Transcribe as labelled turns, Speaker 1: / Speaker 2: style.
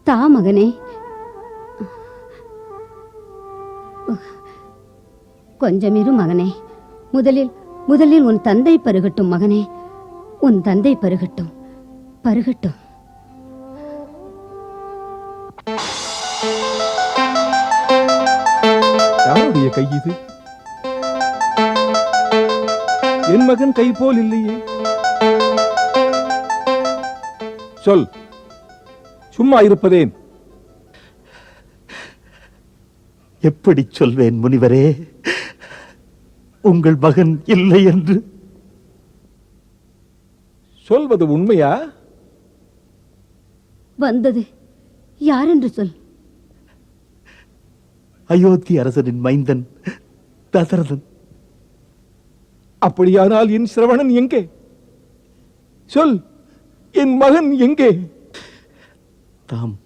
Speaker 1: தா மகனே. கொஞ்சம் இரு மகனே. முதலில் உன் தந்தை பருகட்டும் மகனே. உன் தந்தை பருகட்டும், பருகட்டும்.
Speaker 2: யாருடைய கை இது? என் மகன் கை போல் இல்லையே. சொல், சும்மா இருப்பதேன்?
Speaker 3: எப்படி சொல்வேன் முனிவரே, உங்கள் மகன் இல்லை என்று.
Speaker 2: சொல்வது உண்மையா?
Speaker 1: வந்தது யார் என்று சொல்.
Speaker 3: அயோத்தி அரசனின் மைந்தன் தசரதன்.
Speaker 2: அப்படியானால் என் சிரவணன் எங்கே? சொல், என் மகன் எங்கே?
Speaker 3: தாம்